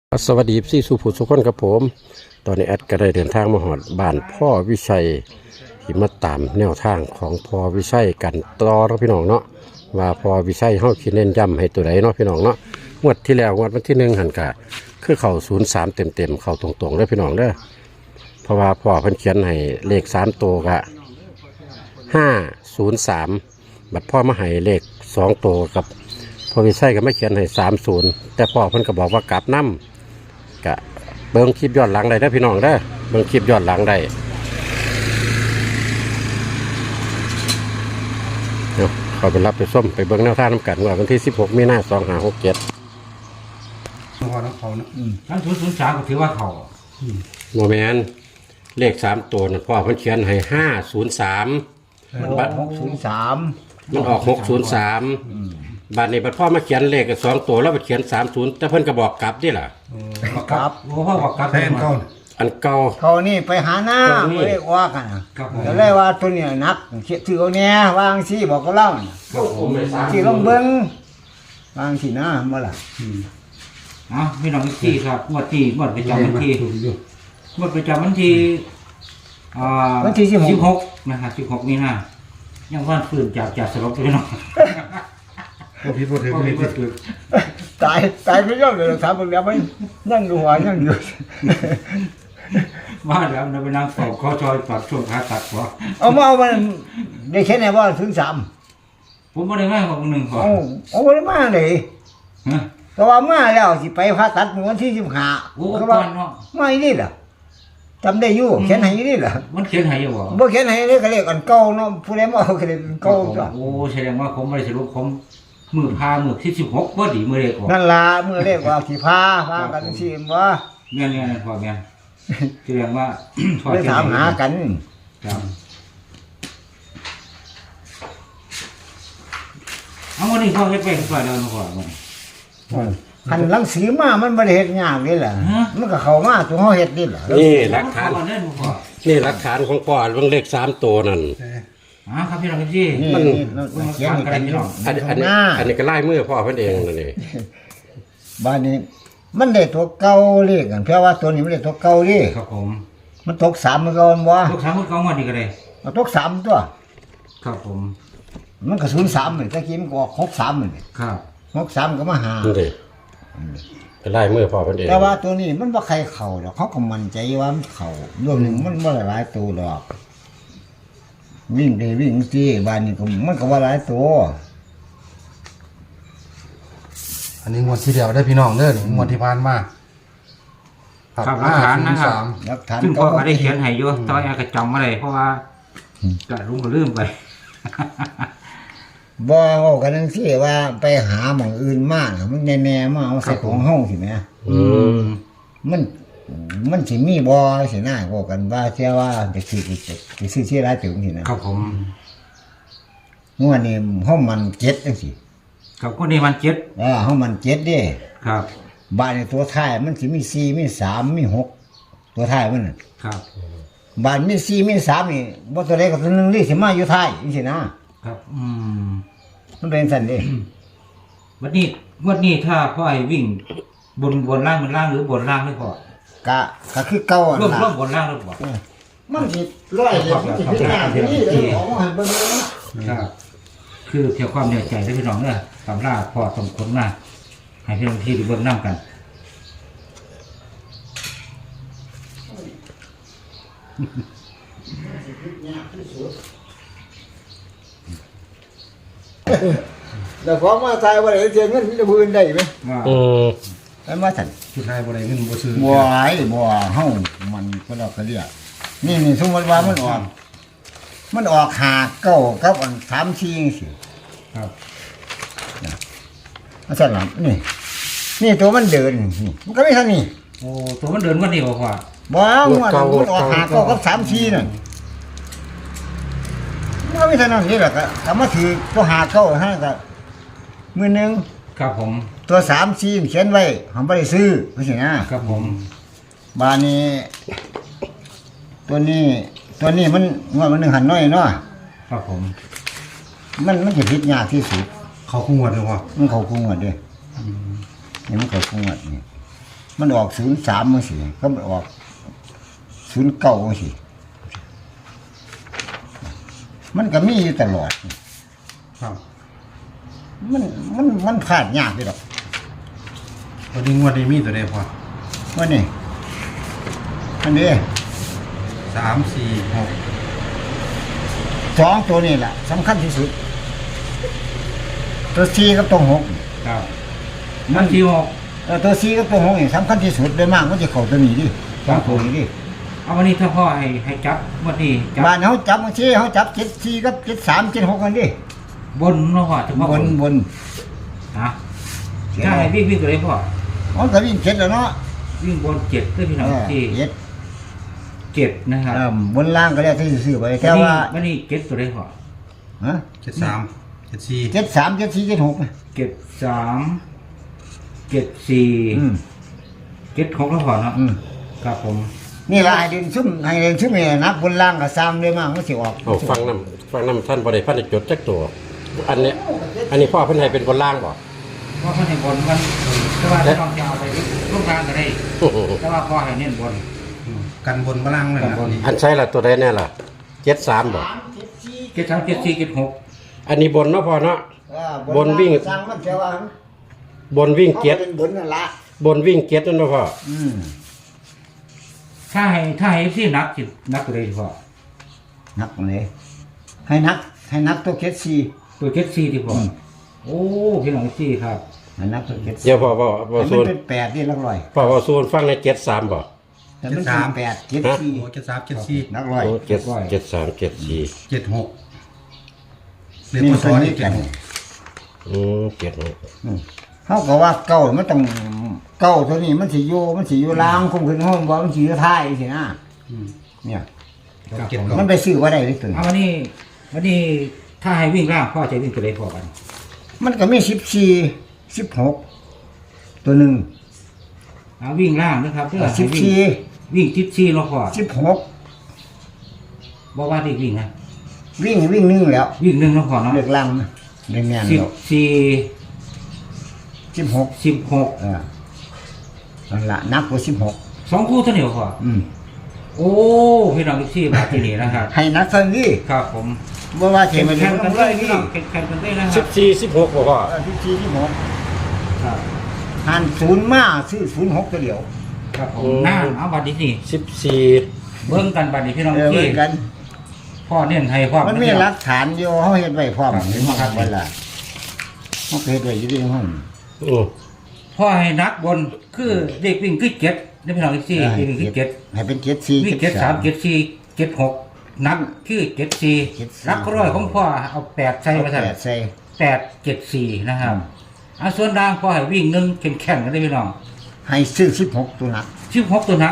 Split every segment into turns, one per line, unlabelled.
สวัสดีพี่สุภูสุขคนครับผมตอนนี้แอดก็ได้เดินทางมาหอดบ้านพ่อวิชัยที่มาตามแนวทางของพ่อวิชัยกันต่อแล้วพี่น้องเนาะว่าพ่อวิชัยเฮาคิดเน้นย้ำให้ตัวใดเนาะพี่น้องเนาะงวดที่แล้วงวดวันที่1หันกะคือเข้า03เต็มเข้าตรงๆเด้อพี่น้องเด้อเพราะว่าพ่อเพิ่นเขียนให้เลข3ตัวกะ503บัดพ่อมาให้เลข2ตัวกับพ่อวิชัยก็ไม่เขียนให้30แต่พ่อเพิ่นก็บอกว่ากลับนำกะเบิ่งคลิปย้อนหลังได้เด้อพี่น้องเด้อเบิ่งคลิปย้อนหลังได้เดี๋ยวเขาไปรับไปส้มไปเบิ่งแนวทางน้ำกันว่าวันที่16มีนาคม2567
พอแล้วเขานะ
ทั้ง003ก็ถือว่าเขา
โมเมนเลข3ตัวนั่นพ่อเพิ่นเขียนให้503
มัน603
มันออก603บัดนี้บัดพ่อมาเขียนเลข2ตัวแล้วไปเขียน30แต่เพิ่นก็บอกกลับดิล่ะ
ครับ
โอ้พ่อบอกกลับ
แทนเขา
อันเก่า
เขานี่ไปหาหน้า
เขานี่
บ่ได้ว่ากันนะครับ ก็เลยว่าตัวเนี้นักถือเอาแน่วางสิบอกก็เล่าน่ะ
ผมไม่ทราบ
สิลองเบิ่งวางสินะบ่ล่ะ
พี่น้องที่ครับงวดประจำวันที่งวดประจำวันที่
วันที่
16นะครับ16มีนายังว่านฟื้นจากสลบพี่น้อง
พวกพี่พวกถือไม่ผิด
ตายไปยอดเลยถามเบิ่งแล้วมันนั่งดูหัวนั่งอยู่
ว่าแล้วเราไปนั่งเฝ้าข้อจอยตัดช่วงขาตัดหัว
เอามาเอามันได้แค่ไหนว่าถึง3
ผมไม่ได้ง่ายกว่า1พอ
เอาบ่ได้มาเลย
ฮะ
แต่ว่ามาแล้วสิไปผ่าตัดมื้อวันที่15
โอ้
ก็
ก่
ว่า
อนเนาะ
มาอีนี่ล่ะจำได้อยู่เขียนให้อีนี่ล่ะ
มันเขียนให้อยู่บ่
บ่เขียนให้เลยก็เรียกอันเก่าเนาะผู้ใดมาเอาก็เรียกอันเก่าจ้ะ
โอ้แสดงว่าผมไม่ได้สรุปผมมือที่16บ่ดีมือเล็กออก
นั่นล่ะมื้อเรียกว่าสิพากันสิบ่
แม่นพ่อแม่นแสดงว่า
ไปถามหากัน
ครับเอาวันนี้พ่อเฮ็ดไปก่อนแล้วพ่อมัน
คันรังสีมามันบ่ได้เฮ็ดยากนี่ล่ะมันก็เข้ามาตัวเฮาเฮ็ดนี่ล่ะ
นี่หลักฐาน
พ่อเล่นพ่อ
นี่หลักฐานของพ่อเบิ่งเลข3ตัวนั่น
ครับพี่น้องพี่
นี่เขียนกันอยู่
อันนี้ก็ไล่มือพ่อเพิ่นเองนั่นนี่
บ้านนี้มันได้ตัวเก่าเลขกันเพราะว่าตัวนี้มันได้ตัวเก่าดิ
ครับผม
มันตก3มันก็บ่
ลูกสาวคนเก่ามานี่ก็ได้
มันตก3ตัว
ครับผม
มันก็03นี่ตะกี้มันก็ออก63นี่
ครับ
63ก็มาหา
นี่ดิไปไล่มือพ่อเพิ่นเอง
แต่ว่าตัวนี้มันบ่ใครเข้าดอกเขาก็มั่นใจว่ามันเข้ารวมหนึงมันบ่หลายตัวดอกวิ่งได้วิ่งสิบ้านนี้ก็มันก็ว่าหลายตัว
อันนี้งวดที่เดียวได้พี่น้องเด้องวดที่ผ่านมา
ครับหลักฐานนะครับ
หลักฐาน
ซึ่งพ่อก็ได้เขียนให้อยู่ตอนแอร์ก็จำมาเลยเพราะว่าก็ลุงก็ลืมไป
บ่เว้ากันจังซี่ว่าไปหาหม่องอื่นมาน่ะมันแน่ๆมาเอาใส่ของเฮาสิแหม มันสิมีบ่สินะเว้ากันว่าเชื่อว่าจะซื้อที่หลายถึงสินะครับ
ผม
งวดนี้เฮามัน7จังซี่
กับคนนี้มันเจ็ด
เฮามัน7เด้
ครับ
บ้านในตัวท้ายมันสิมี4มี3มี6ตัวท้ายมันน่ะ
ครับ
บ้านมี4มี3นี่บ่ตัวใดก็ตัวหนึงนี่สิมาอยู่ท้ายจังซี่นะครับมันเป็นซั่นเด้
วันนี้ถ้าพ่อไอ้วิ่งบนล่างหรือบนล่างหรือพ่อ
ก็คือเก่าอ่ะ
ร่วม
ล่ะ
บนล่างหรือเปล่า
มันสิร้อยเดียวมันสิพิจารณาที่นี่เลยออกมาให้เบิ่งเลยนะครับ
คือเพียงความเหนื่อยใจได้พี่น้องเนี่ยตำราพ่อส่งผลมาให้พี่น้องที่ดูเบื้องน้ำกัน
แล้วของมาใส่บ่ได้เสียเงินมีแต่ผู้อื่นได้ไหม
ว่า
ไปมาสั่น
สุดท้ายบ่ได้เงินบ่ซื้อ
บัวไอ้บัวเฮามันก็เราก็เรียกนี่สมมติว่ามันออกหาเก้ากับอัน3 4จังซี่
ครับ
มาสั่นล่ะนี่ตัวมันเดินนี่มันก็ไม่เท่านี้
โอ้ตัวมันเดินวันนี้บ่พ่อ
บ่มันออกหาเก้ากับ3 4นั่นมันก็ไม่เท่านั้นนี่แหละก็มาถือตัวหาเก้าให้ก็มื้อนึง
ครับผม
ตัว3 4เขียนไว้ผมบ่ได้ซื้อว่าซั่นนะครับ
ผม
บาดนี้ตัวนี้มันงวดมัน1หันน้อยเนาะ
ครับผม
มันจะพิษยากที่สุด
เขาคงงวดเลยว่า
มันเขาคุงหมดเลยนี่มันเขาคุงหมดนี่มันออก03มั้งสิก็มันออก09มั้งสิมันก็มีอยู่ตลอด
ครับ
มันพลาดยากเลยหรอก
วันนี้งวดนี้มีตัวใดพอ
ว่านี่อันนี้
3 4 6
2ตัวนี้แหละสำคัญที่สุด ตัว4กับตัว6
ครับมันที่หก
ตัว4กับตัว6นี่สำคัญที่สุดเลยมากมันจะเข้าตัวนี้ดิสองตัวนี้ดิ
เอาวันนี้ถ้าพ่อให้จับวันนี้จับ
บ้านเขาจับบางทีเขาจับ74กับ73 76กันดิ
บนเนาะพ่อเฉพาะ
บน
นะถ้าให้วิ่งตัวไหนพ่อ
มันก็วิ่ง7แล้วเนาะ
วิ่งบนเจ็ดด้วยพี่น้องที่
เจ็ด
เจ็ดนะครับ
บนล่างก็ได้ที่ซื้อไปแค่ว่า
วันนี้เจ็ดตัวไหนพ่อ
ฮะ
73 74
73 74 76
เจ็ดสามเจ็ดสี่เจ็ดหกแล้วพ่อเนาะครับผม
นี่ละให้เดินซุ่มนี่นับบนล่างกับซ้ำเลยมากมันสิออก
เอาฟังน้ำท่านบริพันธ์จดจักตัวอันนี้พ่อเพิ่นให้เป็นบนล่างบ่
เพราะเขาให้บนมันแต่ว่าต้องจะเอาไปลูกกลางก็ได้แต่ว่าพ่อให้เน้นบน
กันบนบล่างเลยนะนี่
อันใช่ละตัวใดแน่ล่ะ73บ่
เจ็ดสามเจ็ดสี่เจ็ดหก
อันนี้บนเนาะพ่อเนาะ บนวิ่ง
สร้างมันแค่ว่า
บนวิ่งเจ็ด
บนนั่นละ
บนวิ่งเจ็ดนั่นเนาะพ่อ
ถ้าให้ที่นักจิตนักตัวใดพ่อ
นักเลยให้นักตัวเคสซี
ตัวเจ็ดสี่ที่พ่อโอ้พี่น้องสี่ครับ
ให้นักตัวเคสซี
เดี๋ยวพ่อบ่
มัน
ส่วน
เป็น8นี่ลักร้อย
พ่อบ่ส่วนฟังใน73บ่
แต่มันเป็น8เคสซี
โอ้73 74
นักร้อย
โอ้73 74
76เรียก
นี่
พ
มัน
ศ
ตัว
นี่
นี้กัน
76
เขาก็ว่าเก่ามันต้องเก่าตัวนี้มันสิอยู่ล่างคงขึ้นห้องบ่มันสิอยู่ท้ายสินะเนี่ย
76
มันไปซื้อบ่ได้เลยตัวนี้
เอาวันนี้ถ้าให้วิ่งล่างพ่อจะวิ่งตัวใดพ่อกัน
มันก็มี14 16ตัวหนึง
เอาวิ่งล่างนะครับเพื่อให้วิ่ง
14
วิ่งทิศสี่เราพ่อ
16
บอกว่าเด็กวิ่งนะ
วิ่งนึงแล้ว
วิ่งหนึ่งเราพ่อเนาะ
เลือกลังนะเรียนแม่น
สิบ
แล้ว
สี่
16
16
นั่นละนักกว่า16
สองคู่เท่านี้พ่อโอ้พี่น้องที่มาที่นี่นะครับ
ให้นักเท่านี้
ครับผม
บ่ว่าเท
แข่ง
มัน
กัน
ต้อง
ได้
เลย
พี่
นี่
น้องแข่งกันได้นะครับ
14 16บ่พ่อ
14
ครับ
16หัน0มาซื้อ06ตัวเดียว
ครับผมหน้าเอาบัตรนี้นี่
14
เบิ่งกันบัตรนี้พี่น้อง
เออ
ที่
เหมือนกัน
พ่อเน้นให้ความ
มันมีหลักฐานอยู่เฮาเฮ็ดไว้พร้อม
ครับ
เห็นบ่ครับเวลาเฮาก็เฮ็ดไว้อยู่ในห้อง
พ่อให้นักบนคือเด็กวิ่งคือเจ็ดนี่พี่น้องที่เด็กวิ่งคือเจ็ด
ให้เป็น74
วิ่งเจ็ดสามเจ็ดสี่เจ็ดหกนับคือเจ็ดสี่
74
รักร้อยของพ่อเอาแปดใส่มาใส่
8ใส่
874นะครับเอาส่วนด่างพ่อให้วิ่งหนึ่งแข่งกันได้พี่น้อง
ให้ซื้อ16ตัวนัก
16ตัวนัก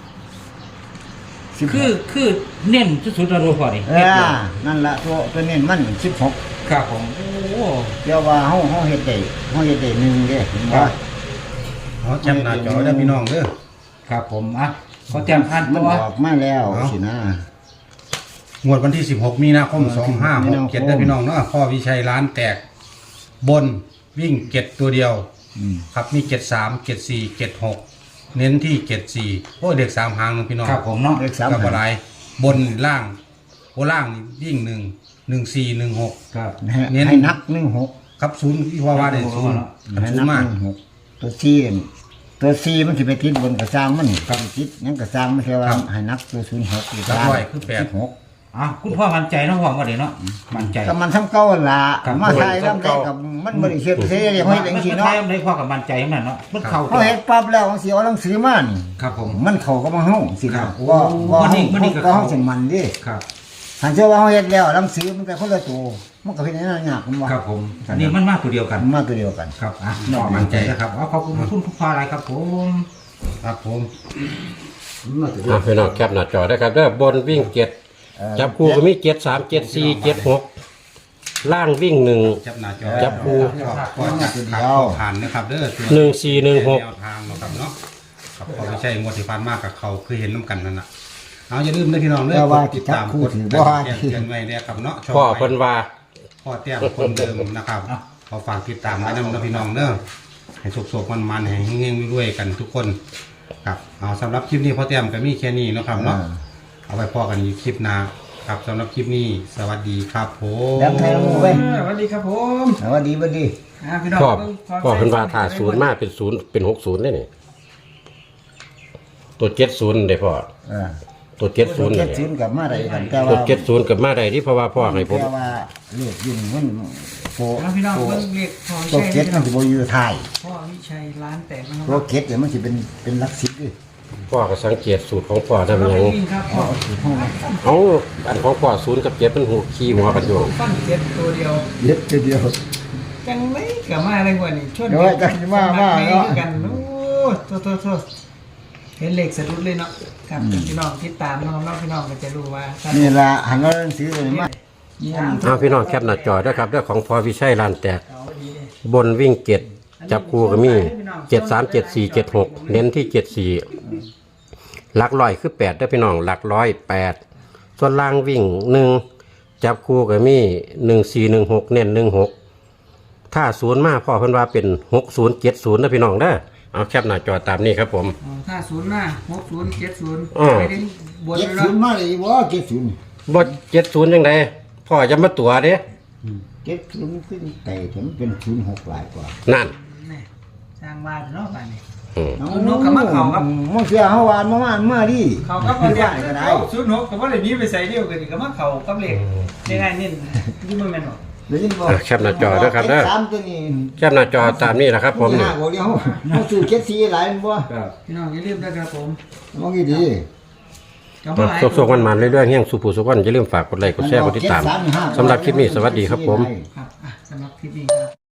16
คือเน้นสุดๆแล้วพ่อนี่
นั่นล่ะตัวนี้มัน16
ครับผมโอ้
เดี๋ยวว่าเฮาเฮ็ดได้หนึ่งเด้เห็นบ่
เอาแคปหน้าจอได้พี่น้องเด้อ
ครับผมอ่ะขอแจ้งผ่าน
มัน
ตัว
ออกมาแล้วสินะ
งวดวันที่ 16 มีนาคม 2567ได้พี่น้องเนาะพ่อวิชัยร้านแตก บนวิ่ง7ตัวเดียว ครับมี73 74 76 เน้นที่74โอ้เด็ก3หางนึงพี่น้อง
ครับผมเนาะ
เลข3
กับอะไรบนล่างโอ้ล่างนี่วิ่ง1 14 16
ครับ
ให้นัก16
ครับศูนย์ที่ว่าได้ศูนย์
ให้
ศูน
นั
ย์มาก
16ตัว4มันสิไปติดบนกระซังมันกับติดยังกระซังไม่ใช่ว่าให้นักตัว06อยู่
รับ
ล่าง
ไว้คือ8
16
อ่ะคุณพ่อมั่นใจเนาะพ่อว่าเดี๋ยวเนาะมั่นใจ
ก็มันทำเก่าล่ะ
ครับ
มาใช้ลำได้กับมันบ่ได้เฮ็ดเสียอย่างเฮ็ดจังซี่
เนาะ
เนาะ
ได้พ่อกับมั่นใจขนาดเนาะมันเข้า
เฮาเฮ็ดปั๊บแล้วสิเอาหนังสือมานี่
ครับผม
มันเข้ากับมาเฮาสิ
ครั
นะ
บโอ้
ว่า
มันนี่ก็เข้า
เฮาสิมันดิ
ครับ
ถ้าเชื่อว่าเฮาเฮ็ดแล้วหนังสือมันก็คนละตัวมันก็เป็นอย่างนั้นยากผมว่า
ครับผมอันนี้มันมากตัวเดียวกัน
มันมาตัวเดียวกัน
ครับอ่ะนอกมั่นใจนะครับเอาขอบคุณคุณผู้ฟ้าอะไรครับผม
ครับผม
พี่น้องแคปหน้าจอได้ครับเด้อบนวิ่ง7จับคู่ก็มี73 74 76ล่างวิ่ง1
จับหน้าจอ
จับคู่
ก็จับขาผ่านนะครับเด้อตัว
1416
แนวทางนะครับเนาะครับพอไม่ใช่งวดที่ผ่านมากับเขาคือเห็นน้ำกันนั่นน่ะเอาอย่าลืมนะพี่น้องเด้อกดติดตามกดแจ้งเตือนไว้เนี่ยครับเนาะ
พ่อเพิ่นว่า
พ่อเตี้ยคนเดิมนะครับขอฝากติดตามไว้นะพี่น้องเด้อให้สุกๆมันๆให้เงี้ยๆด้วยกันทุกคนครับเอาสำหรับคลิปนี้พ่อแต้มก็มีแค่นี้เนาะครับเนาะเอาไปพอกันอีกคลิปหน้าครับสำหรับคลิปนี้สวัสดีครับผม
แล้วไทยละมูเว้ย
สวัสดีครับผม
สวัสดีบัดดี
พี่น้อง
พ่อเพิ่นว่าถ้าศูนย์มาเป็นศูนย์เป็น60ได้นี่ตัว70ได้พ่อ
เออ
ตัว
ตัว
70
เจ็
นี่
ดศูนย์กับมาได้กันแต่
ตัว
ว่า
70กับมาได้ที่เพราะว่าพ่อให้ผม
แต่ว่าเลือดยุ่งมันโฟ
พี่น้องเพิ่งเรียกพ่อ
ตัว
วิ
เจ็
ชั
ด
ย
มันสิบ่อยู่ไทย
พ่อวิชัยร้านแตกนะค
ตัว
รับ
เจ็ดเนี่ยมันสิเป็นหลักสิบดิ
พ่อก็สังเกตสูตรของพ่อทำ
เรา
หยั
ไป
ง
วิ่งครับพ่อ
เอาอันของพ่อ0กับ7มันหูขี้หัวกันอยู่
ฟันเจ็ดตัวเดียว
เย็ดทีเดียว
จังไม่กับมาอะไรกว่านี่ชน
เดี๋ยวจังมาเนาะ
กันโอ้โทษเห็นเหล็กสะดุดเลยเนาะครับพี่น้องติดตามน้องพี่น้องก็จะรู้ว่า
นี่ล่ะหันมาหนังสือตัวนี้มา
เอาพี่น้องแคปหน้าจอด้วยครับเรื่องของพอวิชัยลานแตก
เอาดีเลย
บนวิ่ง7จับคู่ก็มี73 74 76เน้นที่74หลักร้อยคือ8ได้อพี่น้องหลักร้อย8ส่วนล่างวิ่ง1จับคู่ก็มี1416เน้น16ถ้า0มาพ่อเพิ่นว่าเป็น6070นะพี่น้องเด้อเอาแคปหน้าจอตามนี้ครับผม
ถ้า0หน้า60 70
อ้อ
ไปถึงบน
เจ็ด
เลย
ศูนย์
เนาะ
มาเลยบ่เจ็ดศูนย์
บ่70จังไดพ่อจะมาตัวเด้
เจ็ดศูนย์ขึ้นแต่ถึงเป็น06หลายกว่า
นั่น
นี่สร้างบ้านเนาะบ้านนี้
อืม
นกกับมะเขาครับ
มันเสียเฮาวานมาดิ
เขาก็
ไม่
มา
ได้
เรียก
ก็ได้
06กับว่าเลยนี้ไปใส่เดียวกันก็มาเขากับเหล็กยังไงนี่ยิ่งไม่แม่นหรอก
ได้ยินบ่
แคปหน้าจอด้วยครับเด้อ
จ็สามตัวนี้
แคปหน้าจอตามนี้นะครับผมนี่
ห้าบ่เดียวเฮาซื้อเจ็ดสี่หลายบ่
พี่น้องอย่าลืมนะครับผม
มองดี
สุกๆมันๆเรื่อยๆเฮียงสุภูสุกวันอย่าลืมฝากกดไลค์กดแชร์กดติดตามสำหรับคลิปนี้สวัสดีครับผม
ครับสำหรับคลิปนี้ครับ